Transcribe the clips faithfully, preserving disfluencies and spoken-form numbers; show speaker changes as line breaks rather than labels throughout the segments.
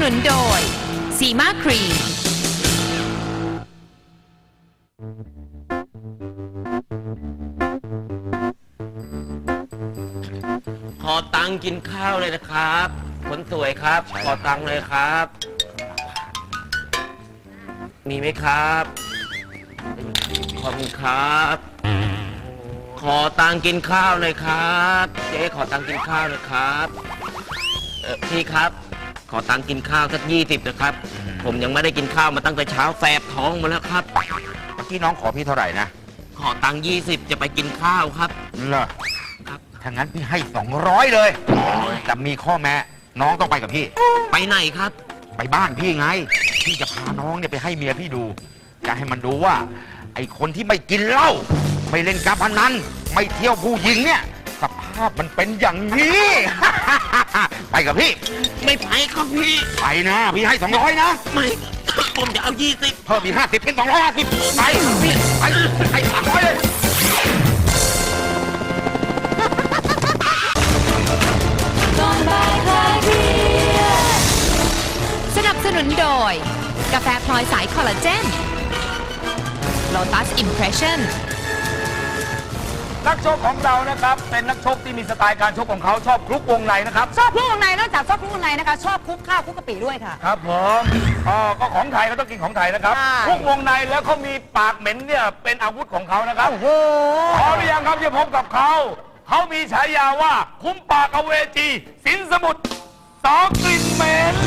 นุนโดยซีมาครีม
ขอตังค์กินข้าวเลยนะครับคนสวยครับขอตังค์เลยครับมีไหมครับขอบคุณครับขอตังค์กินข้าวเลยครับเจ๊ขอตังค์กินข้าวเลยครับเออพี่ครับขอตังค์กินข้าวสักยี่สิบนะครับผมยังไม่ได้กินข้าวมาตั้งแต่เช้าแสบท้องมาแล้วครับ
เมื่อกี้น้องขอพี่เท่าไหร่นะ
ขอตังค์ยี่สิบจะไปกินข้าวครับ
เหรอครับถ้างั้นพี่ให้สองร้อยเลยแต่มีข้อแม้น้องต้องไปกับพี่
ไปไหนครับ
ไปบ้านพี่ไงพี่จะพาน้องเนี่ยไปให้เมียพี่ดูจะให้มันดูว่าไอ้คนที่ไม่กินเหล้าไม่เล่นการพนันไม่เที่ยวผู้หญิงเนี่ยสภาพมันเป็นอย่างนี้ ไปกับพี่
ไม่ไปครับพี่
ไปนะพี่ให้สองร้อยนะ
ไม่ผมจะเอายี่สิบ
เพิ่มอีกห้าสิบเป็นสองร้อยห้าสิบไปพี่ไปให้สามร้อยเลย
สนับสนุนโดยกาแฟพลอยสายคอลลาเจน Lotus Impression
นักชกของเรานะครับเป็นนักชกที่มีสไตล์การชกของเขาชอบคลุกวงในนะครับ
ชอบคลุกวงในนอกจากชอบคลุกวงในนะคะชอบคลุกข้าวคลุกกะปิด้วยค่ะ
ครับผมอ๋อก็ของไทยก็ต้องกินของไทยนะครับคลุกวงในแล้วเขามีปากเหม็นเนี่ยเป็นอาวุธของเขานะครับโอ้โหพร้อมหรือยังครับจะพบกับเขาเขามีฉายาว่าคุ้มปากอเวจีสินสมุทรสองกลิ่นเหม็น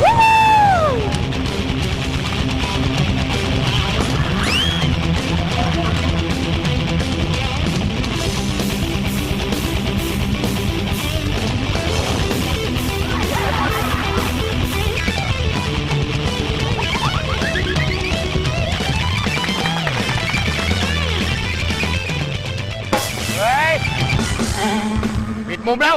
ปิดมุมแล้ว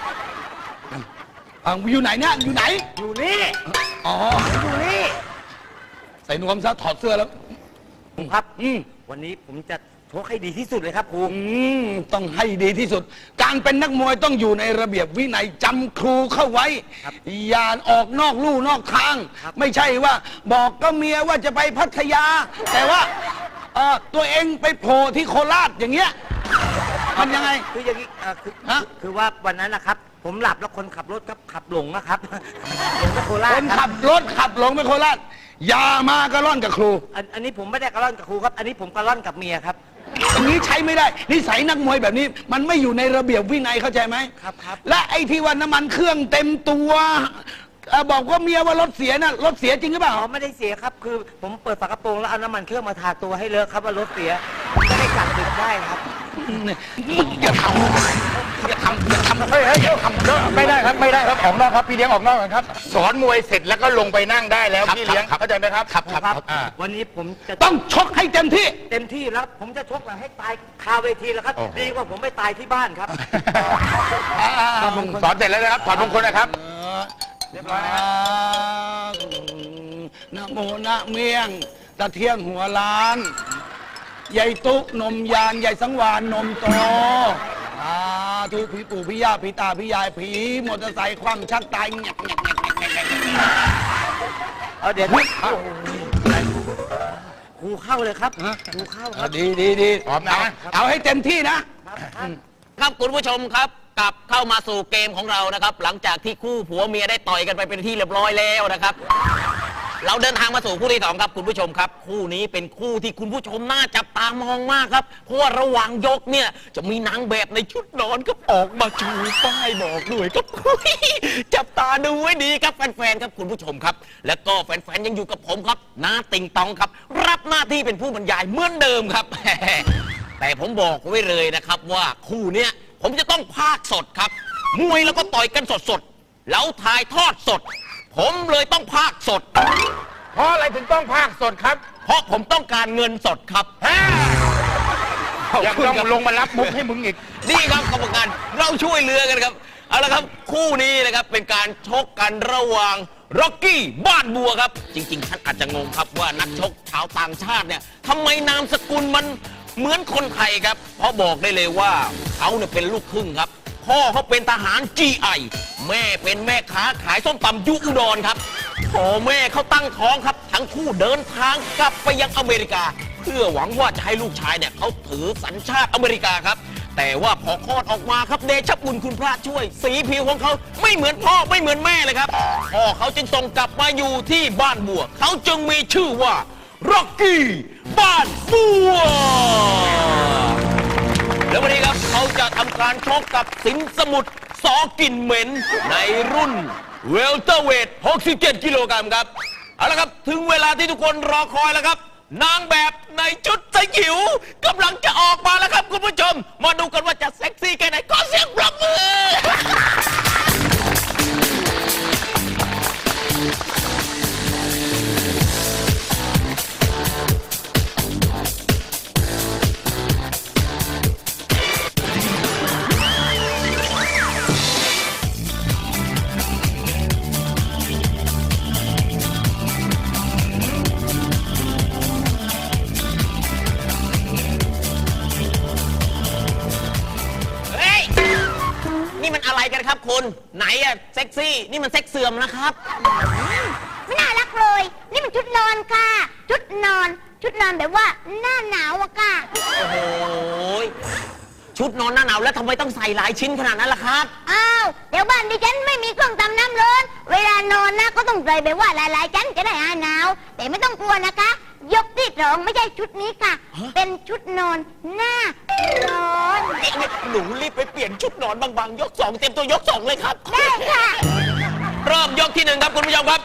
อ่ะอยู่ไหนเนี่ยอยู่ไหน
อยู่นี่
อ๋ออยู่นี่ใส่นวมซะถอดเสื้อแล้ว
ครับอืมวันนี้ผมจะชกให้ดีที่สุดเลยครับครู
อืมต้องให้ดีที่สุดการเป็นนักมวยต้องอยู่ในระเบียบวินัยจำครูเข้าไว้อย่าออกนอกลู่นอกทางไม่ใช่ว่าบอกก็เมียว่าจะไปพัทยาแต่ว่าเออตัวเองไปโผล่ที่โคราชอย่างเงี้ยมันยังไง
คืออย่างนี้คือคือว่าวันนั้นนะครับผมหลับแล้วคนขับรถครับขับหลงนะครับหลงไปโคราช
คนขับรถขับหลงไปโคราชอย่ามากระล่อนกับครู
อันนี้ผมไม่ได้กระล่อนกับครูครับอันนี้ผมกระล่อนกับเมียครับ
อย่างนี้ใช้ไม่ได้นิสัยนักมวยแบบนี้มันไม่อยู่ในระเบียบวินัยเข้าใจไหม
ครับครับ
และไอ้ที่ว่าน้ำมันเครื่องเต็มตัวบอกว่าเมียว่ารถเสียน่ะรถเสียจริงหรือเปล่า
อ๋อไม่ได้เสียครับคือผมเปิดฝากระโปรงแล้วเอาน้ำมันเครื่องมาทาตัวให้เลอะครับว่ารถเสียไม่ได้กลับดึกได้ครับ
อย่าทำอย่าทำอย่าทำเฮ้ยเฮ้ยทำ
ไม่ได้ครับไม่ได้ครับออกนอกครับพี่เลี้ยงออกนอกกันครับสอนมวยเสร็จแล้วก็ลงไปนั่งได้แล้วพี่เลี้ยงเข้าใจไหมครับ
ครับครับ
วันนี้ผมจะ
ต้องชกให้เต็มที่
เต็มที่แล้วผมจะชกแบบให้ตายคาเวทีแล้วครับดีกว่าผมไม่ตายที่บ้านครับ
สอนเสร็จแล้วนะครับถอดมงคลนะครับ
เรียบร้อยนะโมนะเมียงตะเที่ยงหัวล้านใหญ่ตุ๊กนมยานใหญ่สังวานนมโตอาทุกพี่ปู่พี่ย่าพี่ตาพี่ยายผีมอเตอร์ไซค์คว่ำชักตายแงกแงกแงกแงกแงก
เอาเดี๋ยวครูเข้าเลยครับครูเข้าครับ
ดีดีดีพร้อมนะเอาให้เต็มที่
นะครับคุณผู้ชมครับกลับเข้ามาสู่เกมของเรานะครับหลังจากที่คู่ผัวเมียได้ต่อยกันไปเป็นที่เรียบร้อยแล้วนะครับเราเดินทางมาสู่คู่ที่สองครับคุณผู้ชมครับคู่นี้เป็นคู่ที่คุณผู้ชมน่าจับตามองมากครับเพราะว่าระหว่างยกเนี่ยจะมีนางแบบในชุดนอนก็ออกมาชูป้ายบอกด้วยครับจับตาดูไว้ดีครับแฟนๆครับคุณผู้ชมครับและก็แฟนๆยังอยู่กับผมครับน้าติงตองครับรับหน้าที่เป็นผู้บรรยายเหมือนเดิมครับแต่ผมบอกไว้เลยนะครับว่าคู่เนี้ยผมจะต้องพากย์สดครับมวยแล้วก็ต่อยกันสดๆแล้วถ่ายทอดสดผมเลยต้องพากย์สด
เพราะอะไรถึงต้องพากย์สดครับ
เพราะผมต้องการเงินสดครับ
ยังต้องลงมารับมุกให้มึงอีก
นี่ครับกรรมการเราช่วยเหลือกันครับเอาละครับคู่นี้นะครับเป็นการชกกันระหว่างร็อกกี้บ้านบัวครับจริงๆท่านอาจจะงงครับว่านักชกชาวต่างชาติเนี่ยทำไมนามสกุลมันเหมือนคนไทยครับเพราะบอกได้เลยว่าเขาเนี่ยเป็นลูกครึ่งครับ พ่อเขาเป็นทหาร จี ไอ แม่เป็นแม่ค้าขายส้มตำยุอุดรครับพ่อแม่เขาตั้งท้องครับ ทั้งคู่เดินทางกลับไปยังอเมริกา เพื่อหวังว่าจะให้ลูกชายเนี่ยเขาถือสัญชาติอเมริกาครับ แต่ว่าพอคลอดออกมาครับเดชะบุญคุณพระช่วย สีผิวของเขาไม่เหมือนพ่อไม่เหมือนแม่เลยครับพ่อเขาจึงส่งกลับมาอยู่ที่บ้านบัวเขาจึงมีชื่อว่าร็อกกี้บ้านบัว แล้ววันนี้ครับเขาจะทำการชกกับสินสมุทรสอกิ่นเหม็นในรุ่นเวลเตอร์เวทหกสิบเจ็ดกิโลกรัมครับเอาละครับถึงเวลาที่ทุกคนรอคอยแล้วครับนางแบบในชุดสยิวกำลังจะออกมาแล้วครับคุณผู้ชมมาดูกันว่าจะเซ็กซี่แค่ไหนขอเสียงปรบมือ เฮ้ย นี่มันอะไรกันครับคุณไหนอะเซ็กซี่นี่มันเซ็กเสื่อมนะครับ
ไม่น่ารักเลย นี่มันชุดนอนค่ะ ชุดนอน ชุดนอนแบบว่าหน้าหนาวอะค่ะ
โอ้โหชุดนอนหน้าหนาวแล้วทำไมต้องใส่หลายชิ้นขนาดนั้นล่ะครับ
อ้าว เดี๋ยวบ้านดิฉันไม่มีเครื่องทำน้ำร้อน เวลานอนนะก็ต้องใส่แบบว่าหลายๆชั้นจะได้หายหนาว แต่ไม่ต้องกลัวนะคะ ยกที่สองไม่ใช่ชุดนี้ค่ะ เป็นชุดนอนหน้าร้อน
นี่นี่หนูรีบไปเปลี่ยนชุดนอนบางๆยกสองเต็มตัวยกสองเลยครับ
ได้ค่ะ
เริ่มยกที่หนึ่งครับคุณผู้ชมครับ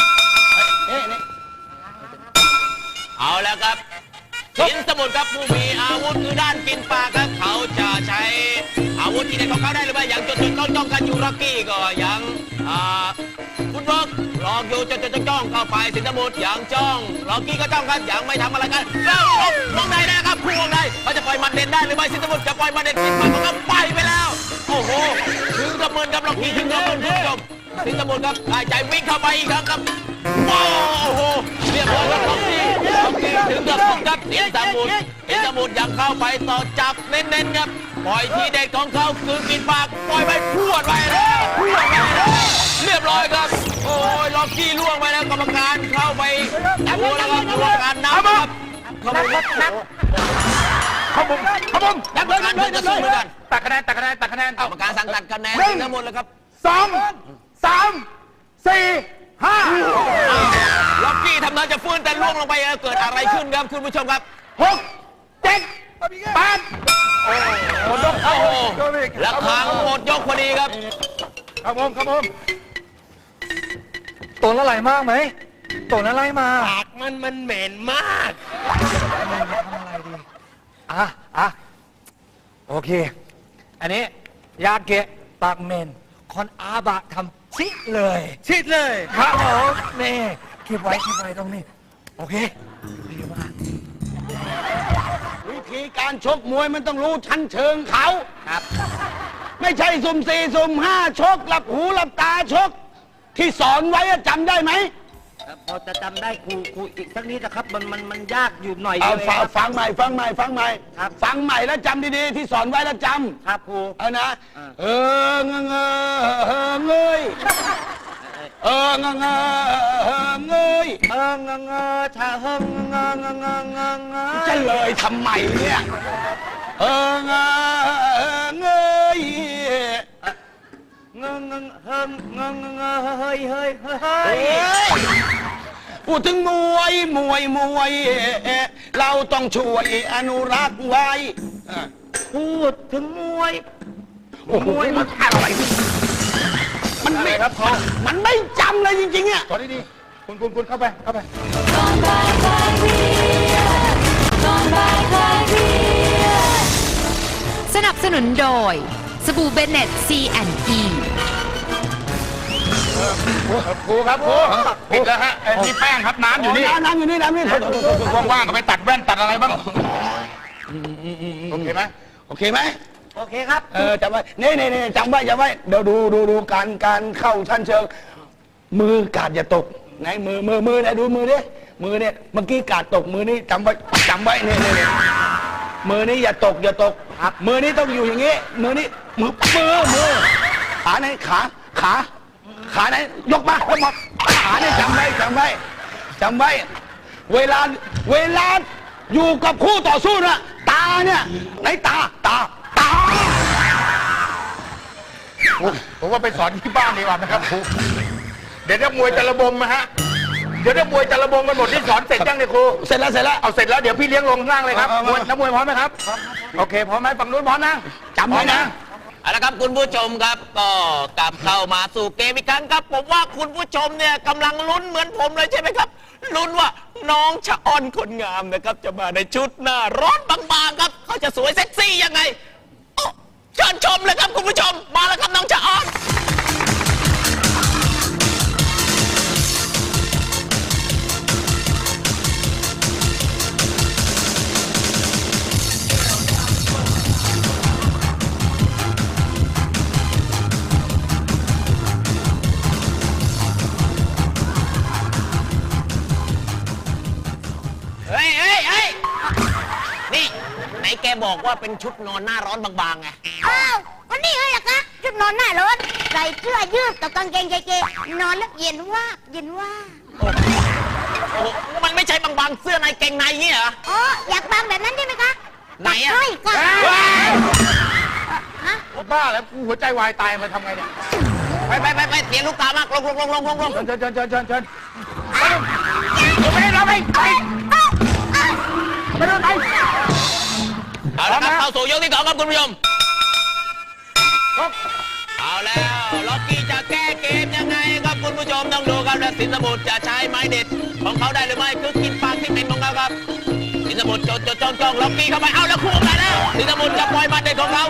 เอาแล้วครับสินสมุทรครับผู้มีอาวุธคือด้านกินปลาครับเขาจะใช้อาวุธที่เด็ดของเขาได้หรือไม่อย่างจดจดจ้องจ้องกันอยู่ร็อกกี้ก็ยังอ่าคุณบอกลองอยู่จดจดจ้องจ้องเข้าไปสินสมุทรอย่างจ้องร็อกกี้ก็จ้องกันอย่างไม่ทำอะไรกันแล้วลงลงในนะครับคู่วงในเขาจะปล่อยมันเด่นได้หรือไม่สินสมุทรจะปล่อยมันเด่นกินปลาของเขาไปไปแล้วโอ้โหถึงกระเมินครับร็อกกี้ถึงกระเมินคุณผู้ชมสินสมุทรครับหายใจวิ่งเข้าไปอีกครั้งครับโอ้โหเรียบร้อยครับร็อกกี้ร็อกกี้ถึงกับพุ่งครับสินสมุทรสินสมุทรยังเข้าไปต่อจับเน้นๆครับปล่อยทีเด็ดของเขาคือกินปากปล่อยไปพรวดไปแล้วพรวดไปแล้วเรียบร้อยครับโอ้ยล็อกกี้ล่วงไปแล้วกรรมการเข้าไปดูแล้วครับกรรมการนับครับขบวนนับ
ขบุมขบุม
กรรมการเพิ่งจะสู้เหมือนกัน
ตัดคะแนนตัดคะแนนตัดคะแนน
กรรมการสั่งตัดคะแนนทั้งหมดเลยครับ
สองสามสี่ห้า
ล็อกกี้ทำท่าจะฟื้นแต่ล่วงลงไปแล้วเกิดอะไรขึ้นครับคุณผู้ชมครับ
หกเจ็ดแปด
หมดยกโอ้โหแล้วคางหมดยกพอดีครับ
ขบุมขบุม
ตัวละไรมากไหมตัวละไรมา
ปากมันมันเหม็นมาก
อ่ะอ่ะโอเค อันนี้ยาเกะปากเมนคอนอาบะทำชิเลย
ชิดเลย
ครับผมนี่เก็บไว้เก็บไว้ตรงนี้ โอเคดีมาก
วิธีการชกมวยมันต้องรู้ชั้นเชิงเขา
ครับ
ไม่ใช่สุ่มสี่สุ่มห้าชกหลับหูหลับตาชก ที่สอนไว้อะจำได้ไหม
พอจะจำได้ครูครูอีกสักนิดนะครับ มันมันมันยากอยู่หน่อย
เอา
เดียว
ฟัง
ครับ
ฟังใหม่ฟังใหม่ฟังใหม่
ครับ
ฟังใหม่แล้วจำดีๆที่สอนไว้แล้วจำ
ครับครู
เอานะ
อ่า
เออเงงเงอเงยเออเงงเงอเงย
เอองงเงอชาเฮงงงงงงงง
จะเลยทำไมเนี่ยเออเงอเงย
งงงเฮงงงงเฮ้ยเฮ้ยเฮ้ยเฮ้
เฮ้
ย
ยพูดถึงมวยมวยมวยเราต้องช่วยอนุรักษ์ไว้
พูดถึงมวย
มวยมันอะไรมันไม่ครับมันไม่จำเลยจริงๆอ่ะ
ขอดีๆคุณคุณคุณเข้าไปเข้าไป
สนับสนุนโดยสบู่เบเน็ต ซี แอนด์ อี
ครูครับครูปิดแล้วฮะเอ้ยนี่แป้งครับน้ำอยู่นี่
น้ำน้ำอยู่นี่น้ำนี่
ว่างๆก็ไปตัดแว่นตัดอะไรบ้างโอเคไหม
โอเคไหม
โอเคครับ
เออจำไว้นี่นี่นี่จำไว้จำไว้เดี๋ยวดูดูดูการการเข้าชั้นเชิง มือกาดอย่าตกไหนมือมือมือไหนดูมือดิมือเนี่ยเมื่อกี้กาดตกมือนี่จำไว้จำไว้นี่นี่นี่มือนี้อย่าตกอย่าตกมือนี้ต้องอยู่อย่างงี้ มือนี้มือมือมือขาไหนขาขาขาไหนยกมายกมาขาเนี่ยจำไว้จำไว้จำไว้ เวลาเวลาอยู่กับคู่ต่อสู้นะตาเนี่ยไหนตาตาตา
ผมว่าไปสอนที่บ้านดีกว่านะครับครูเดี๋ยวนักมวยจะระบมนะฮะเดี๋ยวนักมวยจะระบมกันหมดที่สอนเสร็จยังเนี่ยครู
เสร็จแล้วเสร็จแล้ว
เอาเสร็จแล้วเดี๋ยวพี่เลี้ยงลงข้างล่างเลยครับ
เอาเอา
มวยนักมวยพร้อมไหมครับโอเคพร้อมไหมฝั่งนู้นพร้อมนะ
จำไว้นะ
เอาละครับคุณผู้ชมครับก็กลับเข้ามาสู่เกมอีกครั้งครับ ผมว่าคุณผู้ชมเนี่ยกำลังลุ้นเหมือนผมเลยใช่ไหมครับลุ้นว่าน้องชะออนคนงามนะครับจะมาในชุดหน้าร้อนบางๆครับเขาจะสวยเซ็กซี่ยังไงโอ้เชิญชมเลยครับคุณผู้ชมมาแล้วครับน้องชะออน เฮ้ยเฮ้ยเฮ้ยนี่ไหนแกบอกว่าเป็นชุดนอนหน้าร้อนบางๆไง
อ้าวก็นี่ไงล่ะคะชุดนอนหน้าร้อนใส่เสื้อยืดกับกางเกงเก๋ๆนอนแล้วเย็นว่าเย็นว่า
โอ้โหมันไม่ใช่บางๆเสื้อในเกงในเงี้ยเหรอ
อ๋ออยากฟังแบบนั้นใช่ไหมคะ
ไหนอะ
ใช่ค่ะ
บ้าแล้วหัวใจวายตายมาทำไงเนี่ย
ไปไปไปไปเสียงลูกตามากลงลงลงลงลงลง
เชิญเชิญเชิญเชิญเชิญไปเลยเราไปไปไปเลยไป
เอาละครับเข้าสู่ยกที่สองครับคุณผู้ชมเอาแล้วล็อกกี้จะแก้เกมยังไงครับคุณผู้ชมต้องดูครับและสินสมุทรจะใช้ไม้เด็ดของเขาได้หรือไม่คือกินปากที่เป็นของเขาครับสินสมุทรจดจดจ้องจ้องล็อกกี้เข้าไปเอาแล้วคู่กันแล้วสินสมุทรจะปล่อยหมัดเด็ดของเขา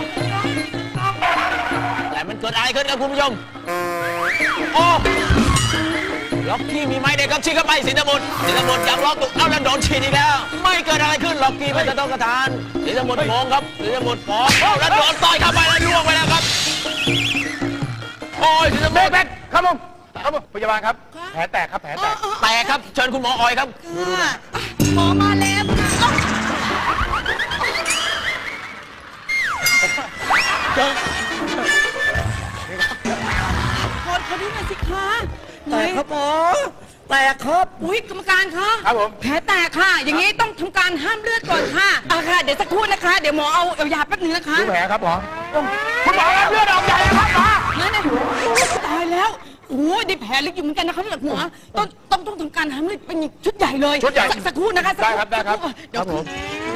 แต่มันเกิดอะไรขึ้นครับคุณผู้ชมโอ้ล็อกกี้มีไม้เด็ดครับชี้เข้าไปสินสมุทรสินสมุทรอยากล็อกตุกเอาแล้วโดนฉีดอีกแล้วไม่เกิดอะไรขึ้นล็อกกี้ไม่จะต้องกระทานสินสมุทรงงครับสินสมุทรฟ้องเอาแล้วโดนต่อยเข้าไปแล้วล่วงไปแล้วครับโอ้ยสินสมุทร
ครับผมครับผมพยาบาลครับแผลแตกครับแผลแตก
แตกครับเชิญคุณหมอออยครับ
หมอมาแล้วโทษเขาด้วยหน่อยสิคะไหน
แต่ครับหมอแต่ครับ
อุ้ยกรรมการคะ
ครับผม
แผลแตกค่ะ อย่างนี้ต้องทำการห้ามเลือดก่อนค่ะอ่ะค่ะ เดี๋ยวสักครู่นะคะ เดี๋ยวหมอเอาเอายาแป๊บนึงนะคะ
ดูแผลครับหมอคุณหมอรับเลือดออกใหญ่ครับหมอ
นั่นน่ะตายแล้วโอ้ยได้แผลลึกอยู่เหมือนกันนะคะเนี่ยหมอต้องต้องต้องทำการห้ามเลือดเป็นชุดใหญ่เลย
ชุดใหญ่
สักสักครู่นะคะสัก
ได้
รู่
ครับได้ครับ
สักเดี๋ยว
ครับผม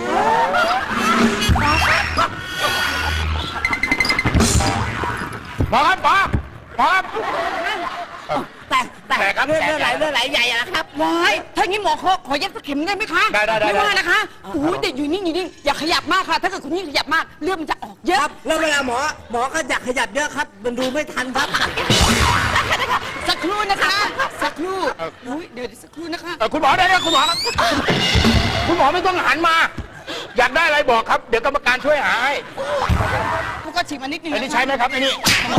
หมอครับหมอหมอครับ
แต่แต่
แตกครับ
เลือด
แต
เลือดไหล
ก
เลือดไหลใหญ่อะนะครับ
วายถ้างี้หมอขอขอเย็บสักเข็มได้ไหมคะ
ได้ได้ได้
ไม่ว่านะคะโอ้ยแต่อยู่นิ่งอยู่นิ่งอย่าขยับมากค่ะ ถ้าเกิดคุณยิ่งขยับมากเลือดมันจะออกเยอะ
ครับ แล้วเวลาหมอหมอก็อยากขยับเยอะครับ มันดูไม่ทันครับ
สักครู่นะคะ สักครู่อุ้ยเดี๋ยวสักครู่นะคะ
เออคุณหมอได้แล้วคุณหมอครับคุณหมอไม่ต้องหันมา อยากได้อะไรบอกครับ เดี๋ยวกรรมการช่วยหาให้
แล้วก็ฉีดมานิดนึง
อันนี้ใช้ไหมครับอันนี้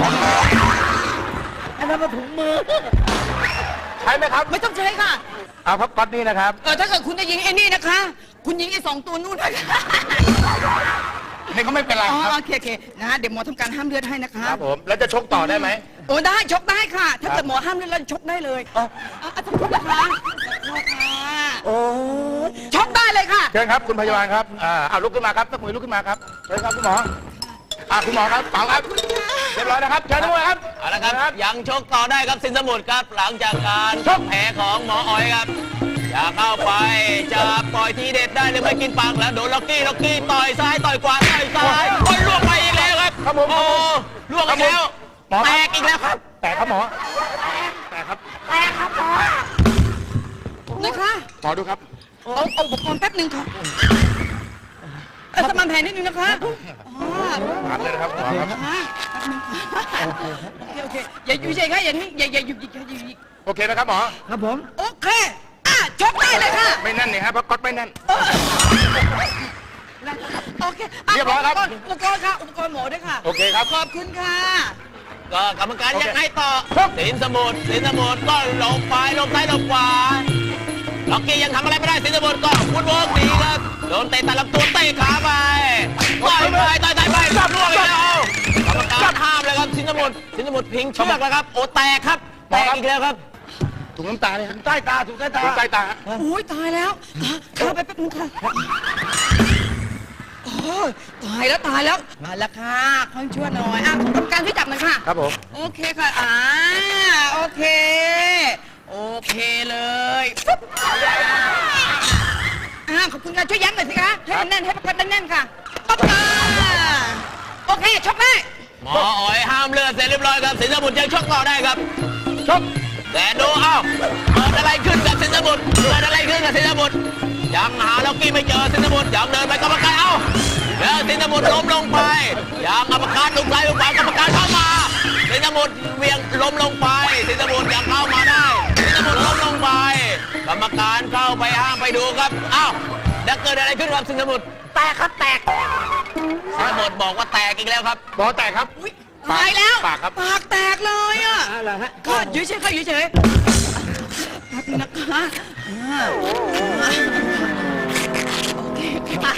อันนั้นมาถุงมือ
ใช้ไหมครับ
ไม่ต้องใช้ค่ะ
เอาครับก๊อตนี่นะครับ
เออถ้าเกิดคุณจะยิงไอ้นี่นะคะ คุณยิงไอ้สองตัวนู่นนะคะ
นี่เขาไม่เป็นไร
อ๋อ
ครับ
โอเคโอเคนะเดี๋ยวหมอทำการห้ามเลือดให้นะคะ
ครับผมแล้วจะชกต่อได้ไหม
โอ้ได้ชกได้ค่ะ ถ้าเกิดหมอห้ามเลือดแล้วชกได้เลยอ่ะอ่ะสักครู่นะคะสักครู่ค่ะ
โอ้ย
ชกได้เลยค่ะ
เชิญครับคุณพยาบาลครับอ่าเอาลุกขึ้นมาครับนักมวยลุกขึ้นมาครับเชิญครับคุณหมออ่าคุณหมอครับเป่าครับเรียบร้อยนะครับเชิญนักมวยครับ
เอาละครับยังชกต่อได้ครับสินสมุทรครับ หลังจากการชกแผลของหมอออยครับอย่าเข้าไปจะปล่อยทีเด็ดได้หรือไม่กินปากแล้วโดนล็อกกี้ล็อกกี้ต่อยซ้ายต่อยขวาต่อยซ้ายโอ้ยล่วงไปอีกแล้วครับ
ครับผม
โอ้ล่วงอีกแล้ว
หมอ
แต
ครับ
กอีกแล้วครับ
แตกครับหมอแตกครับ
นะคะ
หมอดูครับ
เอาเอาอุปกรณ์แป๊บหนึ่งค่ะเออสมานแผลนิดนึงนะคะอ๋อ
ถามเลยนะครับหมอครับ
อ่ะแป๊บหนึงค่ะโอเคโอเคอย่าอยู่เฉยค่ะอย่านิ่งอย่าอย่าหยุดหยิกอย่าหยุดหยิก
โอเคนะครับหมอ
ครับผม
โอเคอ่ะชกได้เลยค่ะ
ไม่แน่นนี่ครับเพราะก๊อตไม่แน่น
โอเคอ่ะ
เรียบร้อยครับ
อุปกรณ์ค่ะอุปกรณ์หมอด้วยค่ะ
โอเคครับ
ขอบคุณค่ะ
ก็กรรมการ
โอเค
ยังไงต่อ
ครับ
สินสมุทรสินสมุทรก็หลบไปหลบซ้ายหลบขวาล็อกกี้ยังทำอะไรไม่ได้สินสมุทรก็ฟุตเวิร์กดีครับโดนเตะตัดลำตัวเตะขาไปต่อยไปต่อยต่อยไปล่วงอีกแล้วกรรมการห้ามเลยครับสินสมุทรสินสมุทรพิงเชือกแล้วครับโอ้แตกครับแตกอีกแล้วครับ
ถุงน้ำตาเนี่ยถุงใต้ตาถุงใต้ตาถุงใต้ตา
โอ้ยตายแล้วอ่ะเข้าไปแป๊บนึงค่ะโอ้ยตายแล้วตายแล้วมาแล้วค่ะค่อยช่วยหน่อยอ่ะกรรมการช่วยจับหน่อยค่ะ
ครับผม
โอเคค่ะ อ่า โอเค โอเคเลยปุ๊บอ่าขอบคุณค่ะ ช่วยยั้งหน่อยสิคะ ให้มันแน่น ให้ประคับแน่นๆค่ะปั๊บอ่าโอเค ชกได้
หมออ๋อยห้ามเลือดเสร็จเรียบร้อยครับสินสมุทรยังชกต่อได้ครับ
ชก
แต่ดูเอ้าเกิดอะไรขึ้นกับสินสมุทรเกิดอะไรขึ้นกับสินสมุทรยังหาล็อกกี้ไม่เจอสินสมุทรยังเดินไปกรรมการเอ้าแล้วสินสมุทรล้มลงไปยังกรรมการลุกไล่ลุกไปกรรมการเข้ามาสินสมุทรเวียงล้มลงไปสินสมุทรยังเข้ามาได้สินสมุทรล้มลงไปกรรมการเข้าไปห้ามไปดูครับเอ้าแล้วเกิดอะไรขึ้นกับสินสมุทรแตกครับแตกสินสมุทรบอกว่าแตกอีกแล้วครับ
บอแตกครับ
อุ๊ยตายแล้ว
ปากครับ
ปากแตกเลยอ่ะ
อะไรฮะ
ก็ยืดเฉยค่ะยืดเฉยแป๊บนึงนะคะอ่าโอเคค่ะ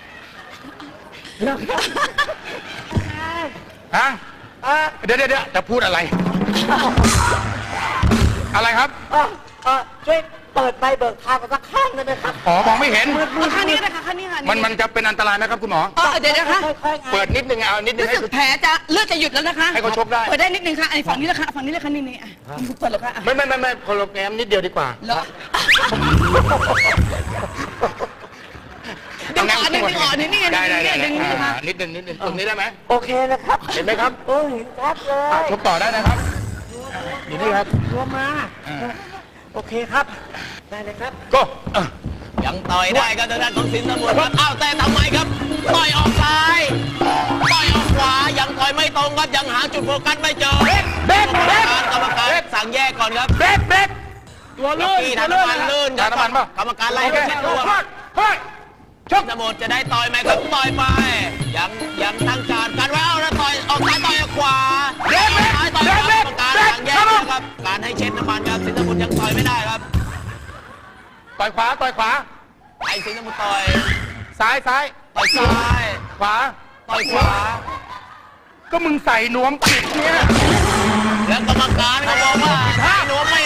ฮะเดี๋ยวเดี๋ยวเดี๋ยวจะพูดอะไร อะไรครับ
เออเออช่วยเปิดไฟเบิกทางกันสักข้างได้ไหมครับ
อ๋อ มองไม่เห็น
เอาข้างนี้ก็ได้ค่ะข้างนี้ค่ะ
มันมันจะเป็นอันตรายไหมครับคุณหมอ
เออเดี๋ยวนะคะ
ค่อยๆไง
เปิดนิดนึงเอานิดนึง
รู้
ให้
สึกแผลจะเลือดจะหยุดแล้วนะคะ
ให้เขาชกได้
เปิดได้นิดนึงค่ะไอ้ฝั่งนี้แหละค่ะฝั่งนี้เลยค่ะนี่นี่อ่ะเปิดเลยค่ะอ่ะ
ไม่ไม่ไม่ไม่คนละแงมนิดเดียวดีกว่า
แล้วดึงออกดึงออกนี่นี่ไง
ได้ได้ได้
ดึงนี่นะคะ
อ่านิดนึงนิดนึงตรงนี้ได้ไหม
โอเคนะครับ
เห็นไหมครับ
โอ้ยชัดเลย
อ่ะชกต่อได้นะครับอยู่นี่ครับ
รวมมา
อ่า
โอเคครับ ได้เลยครับ
ก็เออ
ยังต่อยได้ครับทางด้านของสินสมุทรครับอ้าวแต่ทำไมครับต่อยออกซ้ายต่อยออกขวายังต่อยไม่ตรงครับยังหาจุดโฟกัสไม่เจอ
เบ๊กเบ๊ก
กรรมการสั่งแยกก่อนครับ
เบ๊กเบ๊ก
ตัวลื่นที่ทางน้ำมันลื่นครับ
ทางน้ำมันป่ะ
กรรมการไล่ไปเช็ดตัว
เฮ้ยช
สิ
ก
นสมุทรจะได้ต่อยไหมครับต่อยไปยังยังตั้งการกันไว้เอาแล้วต่อยออกซ้ายต่อยออกขวาซ้ายต่อยออกกรรมการสั่งแยกนะครับการให้เช็ดน้ำมันครับสินสมุทรยังต่อยไม่ได้ครับ
ต่อยขวาต่อยขวา
ไอ้สินสมุทรต่อย
ซ้ายซ้าย
ต่อยซ้าย
ขวา
ต่อยขวา
ก็มึงใส่นวมปิดเนี่ย
แล้วกรรมการก็บอกว่าถ้านวมไม่